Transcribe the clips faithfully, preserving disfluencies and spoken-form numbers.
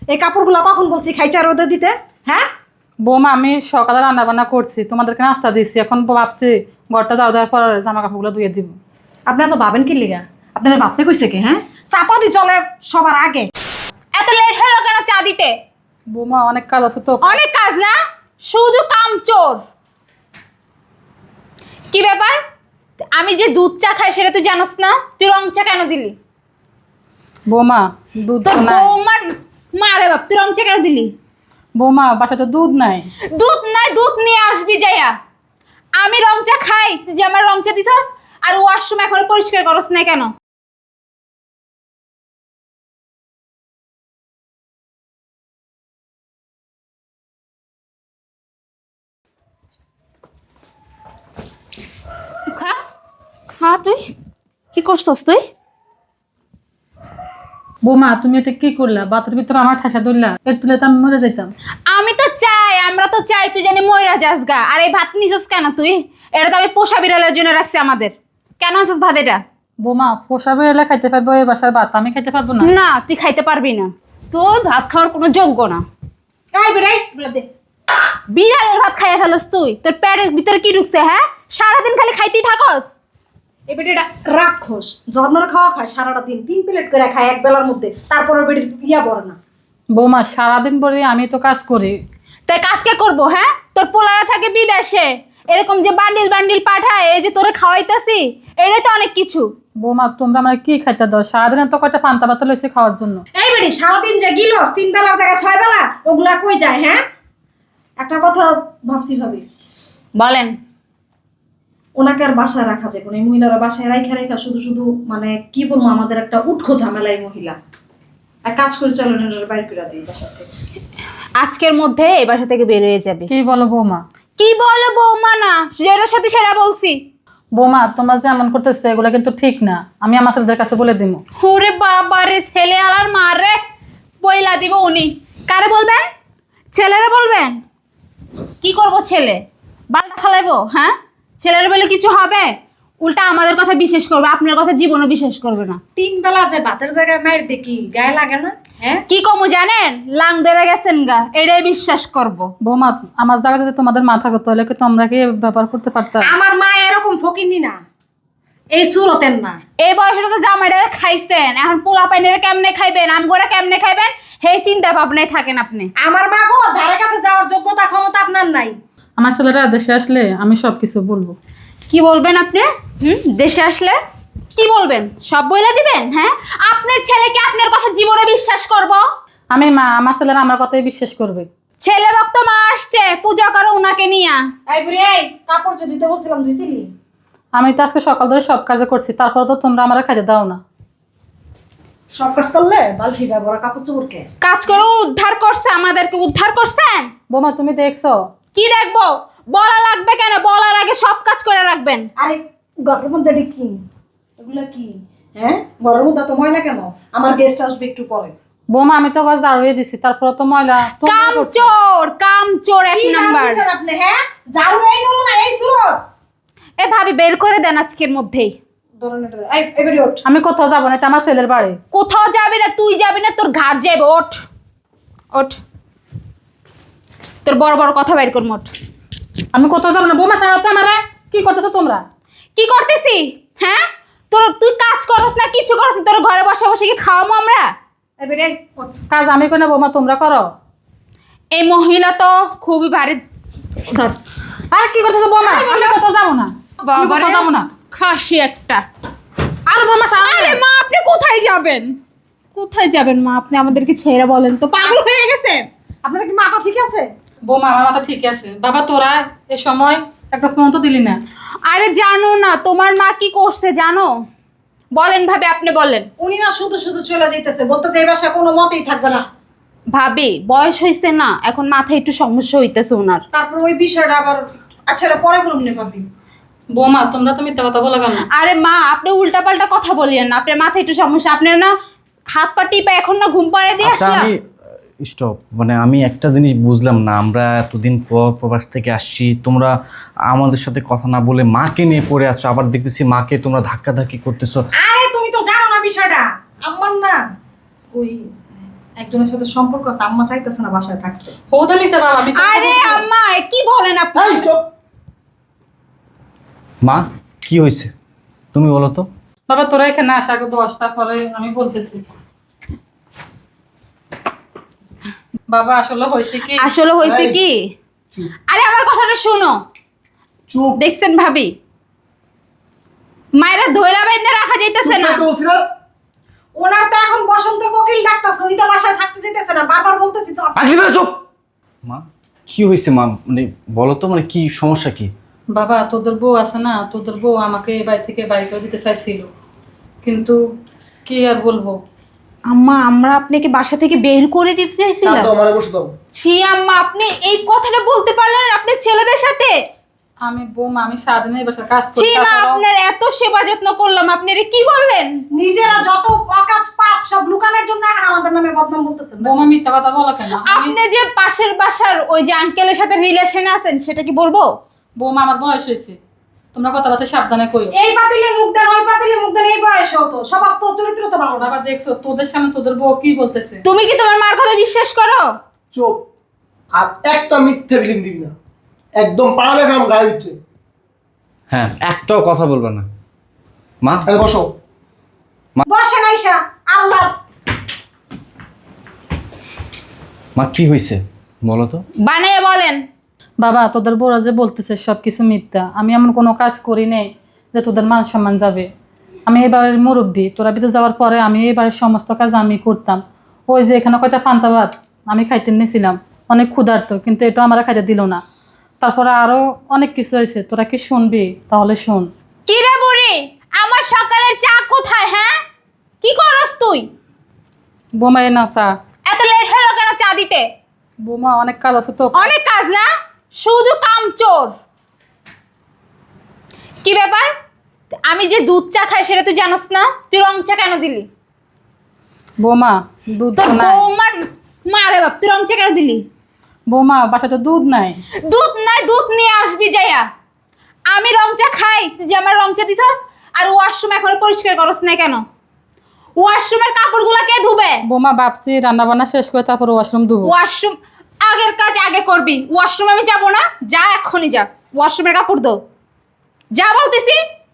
এই কাপড়গুলো কখন বলছি খাইচা রোদে দিতে? হ্যাঁ বৌমা আমি সকালে রান্না বান্না করছি, তোমাদেরকে নাস্তা দিচ্ছি, এখন ভাবছি ঘরটা যাওয়া দেওয়ার পর জামা কাপড়গুলো ধুয়ে দিব। আপনারা তো ভাবেন কি লিগা? আপনারা ভাবতে কইছে কি? হ্যাঁ চাপা দি চলে সবার আগে। এত লেট হলো কেন চা দিতে? বৌমা অনেক কাজ আছে তো। অনেক কাজ না, শুধু কামচোর। কি ব্যাপার? আমি যে দুধ চা খাই সেটা তুই জানোস না? তুই রং চা কেন দিলি? বৌমা দুধ তোর তো নাই। বৌমার মারে বাপ, তুই রং চা কেন দিলি? বৌমা বাসায় তো দুধ নাই। দুধ নাই, দুধ নিয়ে আসবি যাইয়া। আমি রং চা খাই, তুই যে আমার রং চা দিছস, আর ওয়াশরুম এখনো পরিষ্কার করস না কেন? খা খা, তুই কি করছস? তুই বৌমা তুমি এটা কি করলা? বাতের ভিতরে আমার ঠাসা ধরলা, একটু তো আমি মরে যেতাম। আমি তো চাই, আমরা তো চাই তুই জানি ময়রা যাস গা। আর এই ভাত নিছস কেন তুই? এটা তো আমি পোষা বিড়ালের জন্য রাখছি আমাদের। কেন আনছিস ভাত এটা? বৌমা পোষাবে এলে খাইতে পারবো এই বাসার ভাত, আমি খাইতে পারবো না। না, তুই খাইতে পারবি না, তোর ভাত খাওয়ার কোনো যোগ্য না। এই বেড়াই বেড়া দে। বিড়ালের ভাত খাইয়া ফেলস তুই। তোর পেটের ভিতরে কি ঢুকছে? হ্যাঁ, সারাদিন খালি খাইতেই থাকস। এই বেটিটা রাক্ষস, জন্মের খাওয়া খায় সারাটা দিন, তিন প্লেট করে খায় এক বেলার মধ্যে, তারপরে বেটির ইয়া পড়ে না। বৌমা সারাদিন পরে আমি তো কাজ করি। তাই কাজ কে করবো? হ্যাঁ, তোর পোলারা থাকে বিদেশে, এরকম যে বান্ডিল বান্ডিল পাঠায়, এই যে তোরে খাওয়াইতেছি, এটাই তো অনেক কিছু। বৌমা তোমরা আমার কি খাইতে দাও? সারাদিন তো কয়টা পান্তা ভাত লইছি খাওয়ার জন্য। এই বেটি সারাদিন যে গিলস তিন বেলার জায়গায় ছয় বেলা, ওগুলা কই যায়? হ্যাঁ একটা কথা ভাবছি ভাবি, বলেন। ওনাকে আর বাসায় রাখা যায় কোন? এই মহিলারা বাসায় রাখা রেখা শুধু শুধু মানে কি বলবো, আমাদের একটা উৎখো ঝামেলা এই মহিলা। এক কাজ করে চলেন এনার বাইর করে দিই বাসা থেকে। আজকের মধ্যে এই বাসা থেকে বের হয়ে যাবে। কি বলো বৌমা? কি বলো বৌমা? না, যেটার সাথে সেটা বলছি। বৌমা তোমরা যে এমন করতেছো এগুলো কিন্তু ঠিক না, আমি আমার ছেলেদের কাছে বলে দিব। ওরে বাবা রে, ছেলে আলার মার রে, পয়লা দিব উনি। কারে বলবেন? ছেলেরা বলবেন? কি করব ছেলে? বালটা ফালাইবো? হ্যাঁ, ছেলের বলে কিছু হবে? উল্টা আমাদের কথা বিশ্বাস করবে, আপনার কথা জীবনও বিশ্বাস করবে না। তিন বেলা যে ভাতের জায়গায় মায়ের দেখি গায়ে লাগে না? হ্যাঁ কি কমু জানেন? লাং ধরে গেছেন গা, এটাই বিশ্বাস করব। বৌমা আমার জায়গা যদি তোমাদের মাথা করতে হলে কি তোমরা কি ব্যবহার করতে পারতাম? আমার মা এরকম ফকিনি না, এই সুরতের না। এই বয়সটা তো জামাইটা খাইছেন, এখন পোলা পাইনের কেমনে খাইবেন, আমগোরা কেমনে খাইবেন, সেই চিন্তা ভাবনায় থাকেন আপনি। আমার মা গো ধারে কাছে যাওয়ার যোগ্যতা ক্ষমতা আপনার নাই। আমার ছেলেরা দেশে আসলে আমি সব কিছু বলবো। কি বলবেন আপনি? হুম, দেশে আসলে কি বলবেন? সব বইলা দিবেন? হ্যাঁ, আপনার ছেলেকে আপনার কথা জীবনে বিশ্বাস করব? আমি মা, আমার ছেলেরা আমার কথাই বিশ্বাস করবে। ছেলে ভক্ত মা আসছে, পূজা করো উনাকে নিয়া। এই বুড়ি এই কাপড় যদি তো বলছিলাম ধুইছিলি? আমি তো আজকে সকাল ধরে সব কাজে করছি, তারপরে তো তোমরা আমার খাইতে দাও না। সব কাজ করলে বালতি ব্যবহার কাপড় চোপড়কে কাজ করে উদ্ধার করছে, আমাদেরকে উদ্ধার করছেন। বৌমা তুমি দেখছো? কি দেখবো? বলা লাগবে কেন? বলার আগে সব কাজ করে রাখবেন। আরে ঘরের মধ্যে এটা কি? এগুলা কি? হ্যাঁ ঘরের মধ্যে তো ময়লা কেন? আমার গেস্ট আসবে একটু পরে। বৌমা আমি তো গাছ দাঁড়িয়ে দিছি, তারপরে তো ময়লা তোমরা করছো। কামচোর, কামচোর এক কি নাম্বার। জানতেছেন আপনি? হ্যাঁ ঝাড়ু এই নমুনা এই সুরত। এ ভাবি বের করে দেন আজকের মধ্যেই। ধরুন এটা এই এবারে ওঠ। আমি কোথাও যাবো না, এটা আমার ছেলের বাড়ি। কোথাও যাবি না, তুই যাবি না, তোর ঘাট যাবে। ওঠ ওঠ, তোর বড় বড় কথা বের কর। মোট আমি কোথাও যাবো না। বৌমা ছাড়া তো আমারে কি করতেছো তোমরা? কি করতেছি? হ্যাঁ, তোর তুই কাজ করস না, কিছু করস না, তোর ঘরে বসে বসে কি খাওয়াবো আমরা? এবারে ওঠ। কাজ আমি করি না বৌমা, তোমরা করো। এই মহিলা তো খুবই ভারী। আর কি করতেছো বৌমা? আমি কোথাও যাবো না, আমি বাবারে, কোথাও যাবো না। খাসি একটা। আর বৌমা ছাড়া আরে মা, আপনি কোথায় যাবেন? কোথায় যাবেন মা? আপনি আমাদেরকে ছেড়ে বলেন তো, পাগল হয়ে গেছেন? আপনার কি মাথা ঠিক আছে? বৌমা আমার মাথা ঠিক আছে। বাবা তোরা এ সময় একটা ফোন তো দিলি না। আরে জানো না তোমার মা কি করছে জানো? বলেন ভাবি, আপনি বলেন। উনি না শুধু শুধু চলে যাইতেছে, বলতেছে এই বাসায় কোনো মতেই থাকবে না। ভাবি বয়স হয়েছে না, এখন মাথায় একটু সমস্যা হইতেছে ওনার। তারপর ওই বিষয়টা আবার আচ্ছা এটা পরে বলুন না ভাবি। বৌমা তোমরা তো মিথ্যা কথা বলে কেন? আরে মা, আপনি উল্টাপাল্টা কথা বলিয়েন না, আপনার মাথায় একটু সমস্যা। আপনার না হাত পা টিপে এখন না ঘুম পাড়ে দিয়ে আচ্ছা আসলাম। আমি স্টপ, মানে আমি একটা জিনিস বুঝলাম না, আমরা এতদিন পর প্রবাস থেকে আসছি, তোমরা আমাদের সাথে কথা না বলে মাকে নিয়ে পড়ে আছো, আবার দেখতেছি মাকে তোমরা ধাক্কাধাক্কি করতেছো। আরে তুমি তো জানো না বিষয়টা। আমার না ওই একজনের সাথে সম্পর্ক আছে, আম্মা চাইতেছে না বাসায় থাকতে। হতে নিছে বাবা, আমি তো আরে বলছি। আম্মা এ কি বলেন আপনি? এই চুপ। মা কি হয়েছে তুমি বলো তো। বাবা তোরা এখানে আসা আগে দশটা পরে আমি বলতেছি। বাবা আসলে হয়েছে কি, আসলে হয়েছে এই। কি? চুপ আরে আমার কথাটা শুনো। চুপ। দেখছেন ভাবি, মায়েরা ধৈরা বাইন্দা রাখা যাইতেছে চুপ না। থাকতে বলছি না? ওনার তো এখন বসন্ত কোকিল ডাকতেছে, উনি তো বাসায় থাকতে যেতেছে না, বারবার বলতেছি তো। পাগলি মেয়ে চুপ। মা কি হয়েছে মা, মানে বলো তো, মানে কি সমস্যা কি? বাবা তোদের বউ আছে না, তোদের বউ আমাকে এই বাড়ি থেকে বাড়ি করে দিতে চাইছিল, কিন্তু কি আর বলবো। আম্মা আমরা আপনাকে বাসা থেকে বের করে দিতে চাপ চাইছিলাম। দাও, মারে বসে দাও। ছি আম্মা, আপনি এই কথাটা বলতে পারলেন আপনার ছেলেদের সাথে? আমি বৌমা, আমি সারাদিন এই বাসার কাজ করি, ছি মা, তারপরেও- আপনার এত সেবা যত্ন করলাম, আপনি এটা কি বললেন? নিজেরা যত অকাজ পাপ সব লুকানোর জন্য এখন আমাদের নামে বদনাম বলতেছেন। বৌমা মিথ্যা কথা বলো কেন? আমি আপনি যে পাশের বাসার ওই যে আঙ্কেলের সাথে রিলেশনে আছেন সেটা কি বলবো? বৌমা আমার বয়স হয়েছে, তোমরা কথাবার্তা সাবধানে কইও। এই পাতিলে মুখ দেন, ওই পাতিলে মুখ দেন, এই বয়সেও তো স্বভাব তো চরিত্র তো ভালো না। বাবা দেখছো তোদের সামনে তোদের বউ কি বলতেছে। তুমি কি তোমার মার কথা বিশ্বাস করো? চুপ। আর একটা মিথ্যে ফিলিং দিবি না, একদম পাড়া খাম গায়ে দিচ্ছে। হ্যাঁ একটাও কথা বলবে না মা। তাহলে বসো। বসেন আইসা, আল্লাহ। মা কি হয়েছে বলো তো। বানিয়ে বলেন। বাবা তোদের বউরা যে বলতেছে সব কিছু মিথ্যা, আমি এমন কোনো কাজ করি নাই যে তোদের মান সম্মান যাবে। আমি এই বাড়ির মুরব্বী, তোরা বিদেশ যাওয়ার পরে আমি এই বাড়ির সমস্ত কাজ আমি করতাম। ওই যে এখানে কয়টা পান্তা ভাত আমি খাইতে নিয়েছিলাম, অনেক ক্ষুধার্ত, কিন্তু এটা আমার খাইতে দিল না। তারপরে আরো অনেক কিছু হয়েছে, তোরা কি শুনবি? তাহলে শোন। কি রে বুড়ি, আমার সকালের চা কোথায়? হ্যাঁ, কি করস তুই? বোমা এ না চা। এত লেট হলো কেন চা দিতে? বোমা অনেক কাজ আছে তো। অনেক কাজ না, শুধু কাম চোর। কি ব্যাপার, আমি যে দুধ চা খাই সেটা তুই জানোস না? তুই রং চা কেন দিলি? বোমা দুধ তোর তো নাই। বৌমার মারে বাপ, তুই রং চা কেন দিলি? বোমা বাসায় তো দুধ নাই। দুধ নাই, দুধ নিয়ে আসবি যাইয়া। আমি রং চা খাই, তুই যে আমার রং চা দিছস। আর ওয়াশরুম এখনো পরিষ্কার করস না কেন? ওয়াশরুমের কাপড়গুলো কে ধুবে? বোমা ভাবছি রান্না বান্না শেষ করে তারপর ওয়াশরুম ধুবো। ওয়াশরুম আগের কাজ আগে করবি। ওয়াশরুম আমি যাব না, যা এখনই যা, ওয়াশরুমের কাপড় দো, যা বলতেছি।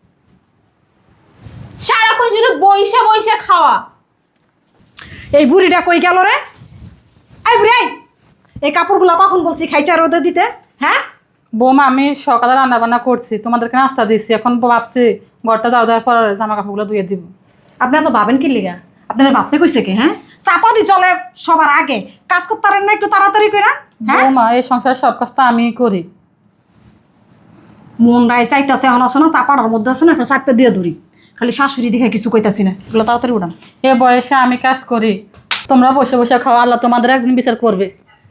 সারাক্ষণ শুধু বইসা বইসা খাওয়া। এই বুড়িটা কই গেল রে? এই বুড়ি আই, এই কাপড়গুলো কখন বলছি খাইচা রোদে দিতে? হ্যাঁ, বোমা আমি সকালে রান্না বান্না করছি, তোমাদেরকে নাস্তা দিচ্ছি, এখন ভাবছি ঘরটা যাওয়া দেওয়ার পর জামা কাপড়গুলো ধুয়ে দিব। আপনারা তো ভাবেন কি লিগা? আপনারা ভাবতে কইছে কি? হ্যাঁ, চাপা দি চলে সবার আগে, কাজ করতে পারেন না একটু তাড়াতাড়ি করে? হ্যাঁ, বোমা এই সংসারের সব কাজ তো আমিই করি। মন রায় চাইতেছে এখন আছে না, চাপাটার মধ্যে আছে না, একটা চাপে দিয়ে ধরি। খালি শাশুড়ি দেখে কিছু কইতাছি না, এগুলো তাড়াতাড়ি উঠান। এ বয়সে আমি কাজ করি, তোমরা বসে বসে খাও, আল্লাহ তোমাদের একদিন বিচার করবে।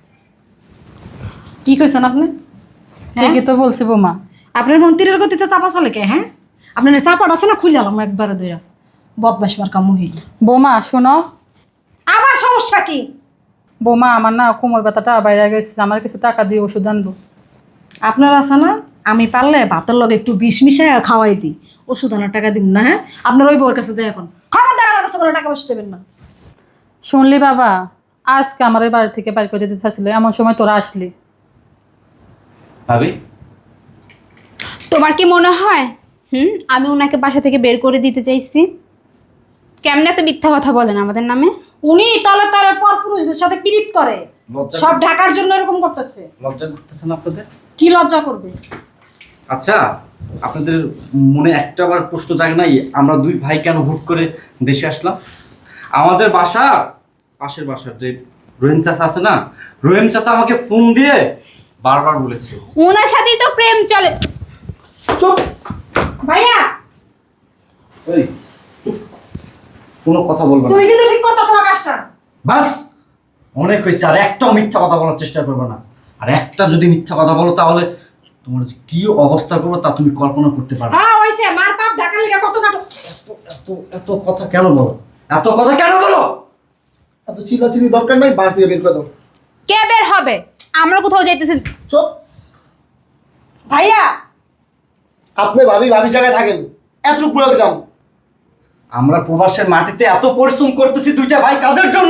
কি কইছেন আপনি? হ্যাঁ, ঠিকই তো বলছি বোমা। আপনার মন্ত্রীর গতিতে চাপা চলে কে? হ্যাঁ, আপনার চাপাটা আছে না, খুলে আলাম একবারে দুইরা। বদমাস মার্কা মহিলা। বোমা শোনো, আবার সমস্যা কি? বোমা আমার না কোমর ব্যথাটা বাইরে গেছে, আমার কিছু টাকা দিয়ে ওষুধ আনবো। আপনার আছে না, আমি পারলে ভাতের লগে একটু বিষ মিশাই খাওয়াই দিই, ওষুধ আনার টাকা দিব না। হ্যাঁ, আপনার ওই বউর কাছে যাই এখন, খবরদার আমার কাছে কোনো টাকা পয়সা দেবেন না। শুনলি বাবা, আজকে আমার এই বাড়ি থেকে বাড়ি করে দিতে চাচ্ছিল, এমন সময় তোরা আসলি। ভাবি তোমার কি মনে হয় হুম আমি ওনাকে বাসা থেকে বের করে দিতে চাইছি? কেমনে এত মিথ্যা কথা বলেন আমাদের নামে? উনি তলে তলে পর পুরুষদের সাথে পীড়িত করে, লজ্জা সব ঢাকার জন্য এরকম করতেছে। লজ্জা করতেছেন আপনাদের? কি লজ্জা করবে? আচ্ছা আপনাদের মনে একটা বার প্রশ্ন জাগে নাই আমরা দুই ভাই কেন হুট করে দেশে আসলাম? আমাদের বাসা পাশের বাসার যে রহিম চাচা আছে না, রহিম চাচা আমাকে ফোন দিয়ে বারবার বলেছে। ওনার সাথেই তো প্রেম চলে। চুপ। ভাইয়া, এই কোনো কথা বলবে না, তুমি কিন্তু ঠিক করতেছো না কাজটা। বাস অনেক হয়েছে। আর একটাও মিথ্যা কথা বলার চেষ্টা করবে না, আর একটা যদি মিথ্যা কথা বলো তাহলে তোমার যে কি অবস্থা করবো তা তুমি কল্পনা করতে পারবে না। হ্যাঁ হইছে, মার বাপ ঢাকার লিগে কত নাটক। এত এত কথা কেন বলো? এত কথা কেন বলো? এত চিল্লাচিল্লি দরকার নাই, বাস থেকে বের করে দাও। কে বের হবে? আমরা কোথাও যাইতেছি। চুপ। ভাইয়া, আপনি ভাবি ভাবি জায়গায় থাকেন, এতটুকু বলে দিলাম। আমরা প্রবাসের মাটিতে এত পরিশ্রম করতেছি দুইটা ভাই, কাদের জন্য?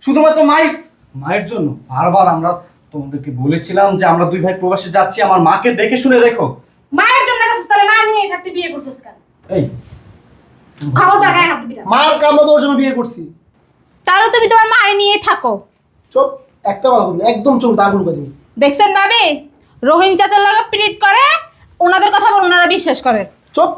শুধুমাত্র মায়ের মায়ের জন্য বারবার আমরা তোমাদেরকে বলেছিলাম যে আমরা দুই ভাই প্রবাসে যাচ্ছি, আমার মাকে দেখে শুনে রেখো। মায়ের জন্য গেছিস তাহলে মা নিয়েই থাকতে বিয়ে করছিস কেন? এই খবরদার গায়ে হাত দিবি না। মার কামড়া তোমার জন্য বিয়ে করছি। তাহলে তুমি তোমার মারে নিয়ে থাকো। চুপ, একটা কথা বলবি না, একদম চুপ, দাগুন করে দিবি। দেখছেন ভাবি, রহিম চাচার লগে প্রীত করে, ওনাদের কথা বলে ওনারা বিশ্বাস করে। চুপ।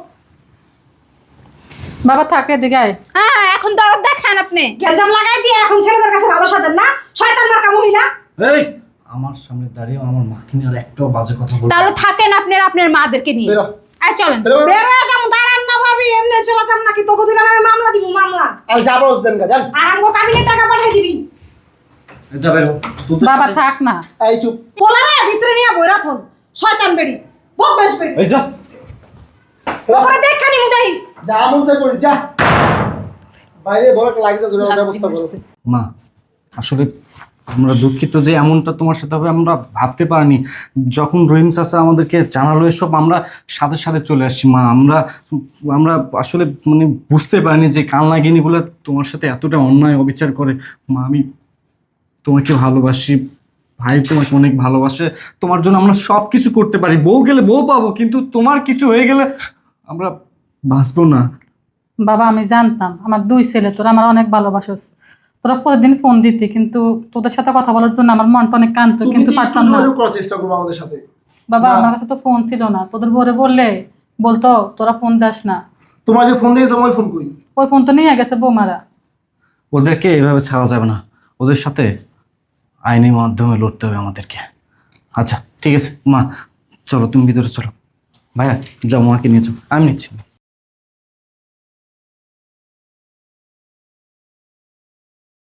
বাবা থাকে এদিকে আয়। হ্যাঁ, এখন দরদ দেখেন আপনি। গ্যাঞ্জাম লাগাই দিয়ে এখন ছেলেদের কাছে ভালো সাজেন না, শয়তান মার্কা মহিলা। এই আমার সামনে দাঁড়িয়ে আমার মাকে নিয়ে আর একটাও বাজে কথা বলবো তাহলে থাকেন আপনার আপনার মাদেরকে নিয়ে। বেরো। আয় চলেন। বেরো, বেরো। বের হয়ে যাবো, দাঁড়ান না ভাবি, এমনি চলে যাম নাকি তোকে দুইটা নামে মামলা দিব, মামলা। আর যাবো দেন গা, জান। আর আমগো কাবিনের টাকা পাঠিয়ে দিবি। যাবে বাবা থাক না। এই চুপ। পোলারে ভিতরে নিয়ে বইরা থন, শয়তান বেড়ি, বদমাশ বেড়ি। এই যা ওপরে দেখানি মুদাইস। যা মন চাই করিস, যা। বাইরে বড় একটা লাগিয়ে যাবে, ওর ব্যবস্থা করো। মা আসলে আমরা দুঃখিত যে এমনটা তোমার সাথে হবে, আমরা ভাবতে পারিনি। যখন রহিম চাচা আমাদেরকে জানালো এসব, আমরা সাথে সাথে চলে আসছি মা। আমরা আমরা আসলে মানে বুঝতে পারিনি যে কালনাগিনীগুলো তোমার সাথে এতটা অন্যায় অবিচার করে। মা আমি তোমাকে ভালোবাসি, ভাই তোমাকে অনেক ভালোবাসে, তোমার জন্য আমরা সব কিছু করতে পারি। বউ গেলে বউ পাবো, কিন্তু তোমার কিছু হয়ে গেলে আমরা বাঁচবো না। বাবা আমি জানতাম আমার দুই ছেলে তোরা আমার অনেক ভালোবাসস, তোরা প্রতিদিন ফোন দিতি, কিন্তু তোদের সাথে কথা বলার জন্য আমার মনটা অনেক কাঁদতো, তুমি কিন্তু একটু পারতাম না। যোগাযোগ করার চেষ্টা করবো আমাদের সাথে। বাবা না। আমার কাছে তো ফোন ছিল না, তোদের ভোরে বললে বলতো তোরা ফোন দাস না। তোমার যে ফোন দিয়ে তোমার ফোন করি। ওই ফোন তো নিয়ে গেছে বৌমারা। ওদেরকে এভাবে ছাড়া যাবে না, ওদের সাথে আইনি মাধ্যমে লড়তে হবে আমাদেরকে। আচ্ছা ঠিক আছে মা, চলো তুমি ভিতরে চলো। ভাইয়া যাও, মাকে নিয়ে যাও, আমি নিচ্ছি।